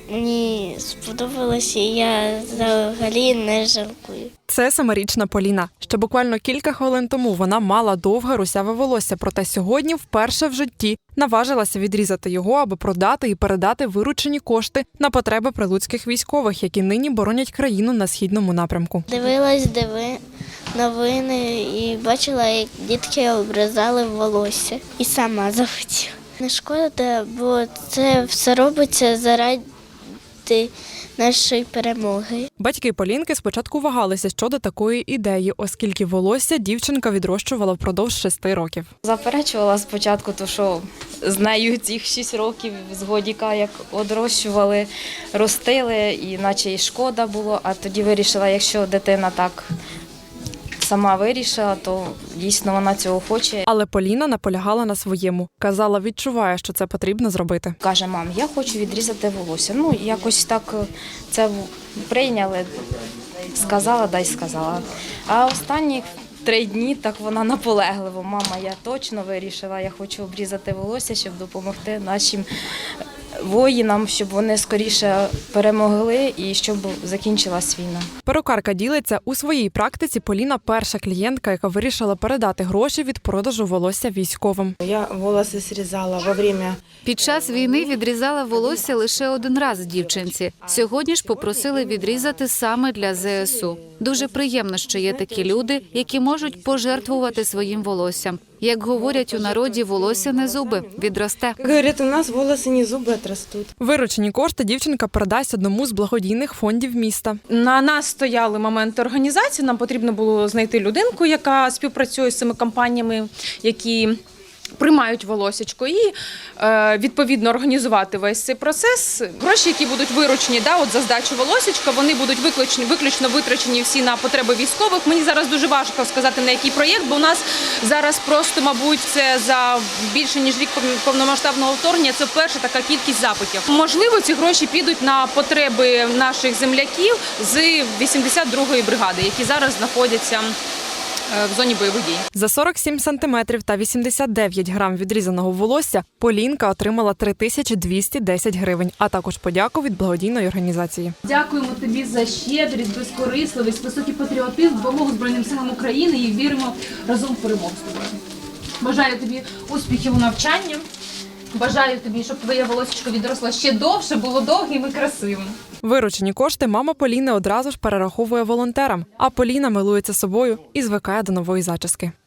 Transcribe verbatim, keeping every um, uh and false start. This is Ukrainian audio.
Мені сподобалося, і я взагалі не жалкую. Це семирічна Поліна. Ще буквально кілька хвилин тому вона мала довге русяве волосся, проте сьогодні вперше в житті наважилася відрізати його, аби продати і передати виручені кошти на потреби прилуцьких військових, які нині боронять країну на східному напрямку. Дивилась диви новини і бачила, як дітки обрізали волосся. І сама захотіла. Не шкода, бо це все робиться заради нашої перемоги. Батьки Полінки спочатку вагалися щодо такої ідеї, оскільки волосся дівчинка відрощувала впродовж шести років. Заперечувала спочатку, то що з нею цих шість років з годіка, як одрощували, ростили, і наче і шкода було, а тоді вирішила, якщо дитина так сама вирішила, то дійсно вона цього хоче. Але Поліна наполягала на своєму. Казала, відчуває, що це потрібно зробити. Каже, мам, я хочу відрізати волосся. Ну, якось так це прийняли, сказала, дай сказала. А останні три дні так вона наполегливо. Мама, я точно вирішила, я хочу обрізати волосся, щоб допомогти нашим воїнам, щоб вони скоріше перемогли і щоб закінчилась війна. Перукарка ділиться, у своїй практиці Поліна – перша клієнтка, яка вирішила передати гроші від продажу волосся військовим. Я волоси зрізала во время... Під час війни відрізала волосся лише один раз дівчинці. Сьогодні ж попросили відрізати саме для зе ес у. Дуже приємно, що є такі люди, які можуть пожертвувати своїм волоссям. Як говорять у народі, волосся не зуби, відросте. Говорять, у нас волоси не зуби отрастуть. Виручені кошти дівчинка передасть одному з благодійних фондів міста. На нас стояли моменти організації, нам потрібно було знайти людинку, яка співпрацює з цими компаніями, які приймають волосечко і е, відповідно організувати весь цей процес. Гроші, які будуть виручені, да, от за здачу волосечка, вони будуть виключно, виключно витрачені всі на потреби військових. Мені зараз дуже важко сказати, на який проєкт, бо у нас зараз просто, мабуть, це за більше ніж рік повномасштабного вторгнення, це вперше така кількість запитів. Можливо, ці гроші підуть на потреби наших земляків з вісімдесят другої бригади, які зараз знаходяться в зоні бойових дій. За сорок сім сантиметрів та вісімдесят дев'ять грам відрізаного волосся Полінка отримала три тисячі двісті десять гривень, а також подяку від благодійної організації. Дякуємо тобі за щедрість, безкорисливість, високий патріотизм, допомогу Збройним силам України і віримо разом в перемогу з тобою. Бажаю тобі успіхів у навчанні. Бажаю тобі, щоб твоє волосечко відросло ще довше, було довгим і красивим. Виручені кошти мама Поліни одразу ж перераховує волонтерам, а Поліна милується собою і звикає до нової зачіски.